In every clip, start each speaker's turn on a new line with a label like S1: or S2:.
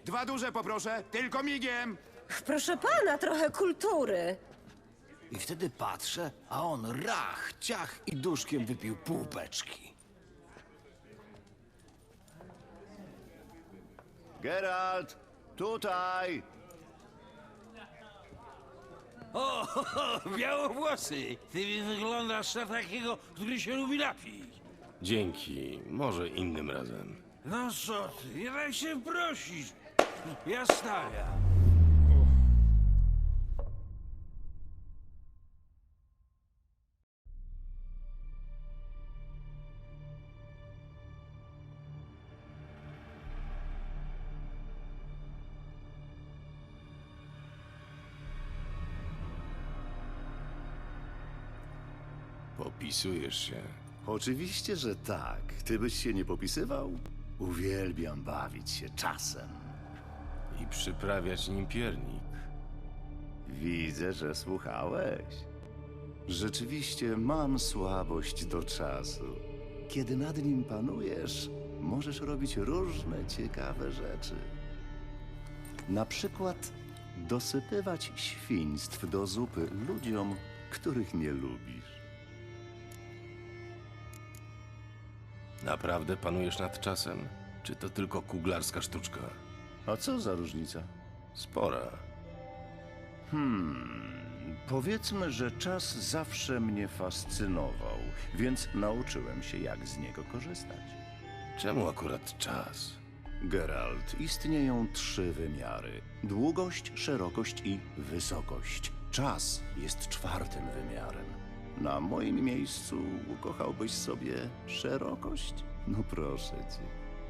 S1: 2 duże poproszę, tylko migiem!
S2: Proszę pana, trochę kultury.
S3: I wtedy patrzę, a on rach, ciach i duszkiem wypił pół beczki.
S1: Geralt, tutaj!
S4: O, białowłosy! Ty wyglądasz na takiego, który się lubi napić.
S5: Dzięki, może innym razem.
S4: No co ty, nie daj się prosić. Ja stawiam.
S5: Popisujesz się.
S6: Oczywiście, że tak. Ty byś się nie popisywał? Uwielbiam bawić się czasem.
S5: I przyprawiać nim piernik.
S6: Widzę, że słuchałeś. Rzeczywiście mam słabość do czasu. Kiedy nad nim panujesz, możesz robić różne ciekawe rzeczy. Na przykład dosypywać świństw do zupy ludziom, których nie lubisz.
S5: Naprawdę panujesz nad czasem? Czy to tylko kuglarska sztuczka?
S6: A co za różnica?
S5: Spora.
S6: Powiedzmy, że czas zawsze mnie fascynował, więc nauczyłem się, jak z niego korzystać.
S5: Czemu akurat czas?
S6: Geralt, istnieją 3 wymiary: długość, szerokość i wysokość. Czas jest 4. wymiarem. Na moim miejscu ukochałbyś sobie szerokość? No proszę cię.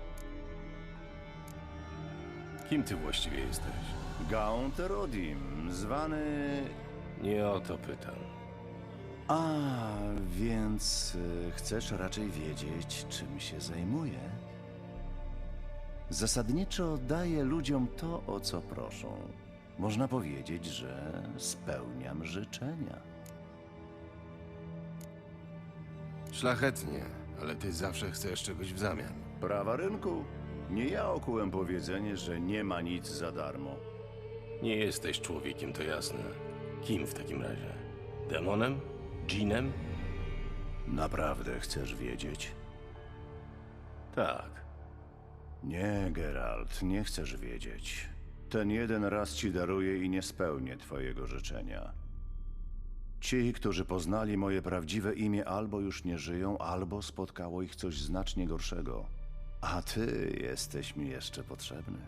S5: Kim ty właściwie jesteś?
S6: Gaunt Erodim, zwany...
S5: Nie o to pytam.
S6: A, więc chcesz raczej wiedzieć, czym się zajmuję? Zasadniczo daję ludziom to, o co proszą. Można powiedzieć, że spełniam życzenia.
S5: Szlachetnie, ale ty zawsze chcesz czegoś w zamian.
S6: Prawa rynku. Nie ja okułem powiedzenie, że nie ma nic za darmo.
S5: Nie jesteś człowiekiem, to jasne. Kim w takim razie? Demonem? Dżinem?
S6: Naprawdę chcesz wiedzieć?
S5: Tak.
S6: Nie, Geralt, nie chcesz wiedzieć. Ten jeden raz ci daruję i nie spełnię twojego życzenia. Ci, którzy poznali moje prawdziwe imię, albo już nie żyją, albo spotkało ich coś znacznie gorszego. A ty jesteś mi jeszcze potrzebny.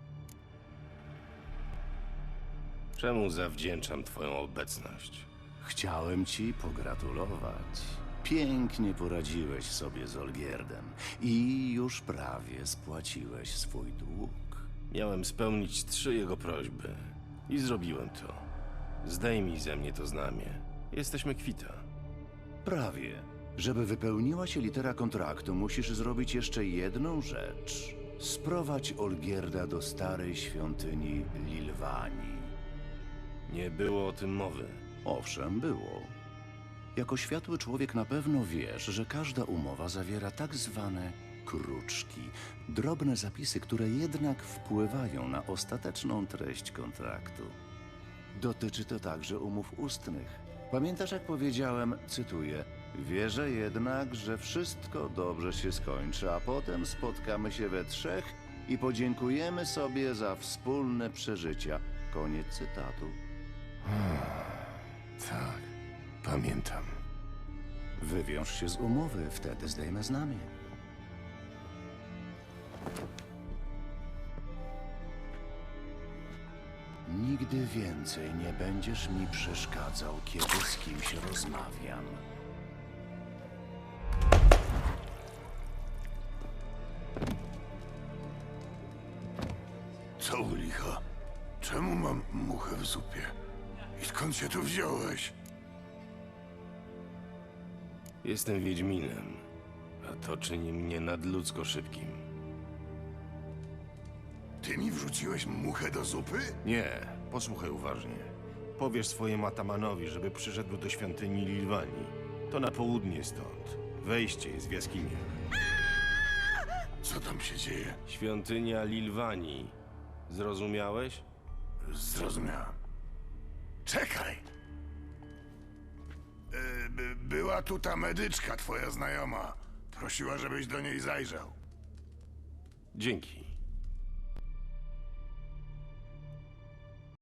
S5: Czemu zawdzięczam twoją obecność?
S6: Chciałem ci pogratulować. Pięknie poradziłeś sobie z Olgierdem i już prawie spłaciłeś swój dług.
S5: Miałem spełnić 3 jego prośby. I zrobiłem to. Zdejmij ze mnie to znamie. Jesteśmy kwita.
S6: Prawie. Żeby wypełniła się litera kontraktu, musisz zrobić jeszcze jedną rzecz. Sprowadź Olgierda do starej świątyni Lilwanii.
S5: Nie było o tym mowy.
S6: Owszem, było. Jako światły człowiek na pewno wiesz, że każda umowa zawiera tak zwane kruczki. Drobne zapisy, które jednak wpływają na ostateczną treść kontraktu. Dotyczy to także umów ustnych. Pamiętasz, jak powiedziałem, cytuję: wierzę jednak, że wszystko dobrze się skończy, a potem spotkamy się we 3 i podziękujemy sobie za wspólne przeżycia. Koniec cytatu.
S5: Tak, pamiętam.
S6: Wywiąż się z umowy, wtedy zdejmę znamie. Nigdy więcej nie będziesz mi przeszkadzał, kiedy z kimś rozmawiam.
S7: Co u licha? Czemu mam muchę w zupie? I skąd się tu wziąłeś?
S5: Jestem Wiedźminem, a to czyni mnie nadludzko szybkim.
S7: Ty mi wrzuciłeś muchę do zupy?
S5: Nie, posłuchaj uważnie. Powiesz swojemu atamanowi, żeby przyszedł do świątyni Lilwanii. To na południe stąd. Wejście jest w jaskiniach.
S7: Co tam się dzieje?
S5: Świątynia Lilwanii. Zrozumiałeś?
S7: Zrozumiałem. Czekaj! Była tu ta medyczka, twoja znajoma. Prosiła, żebyś do niej zajrzał.
S5: Dzięki.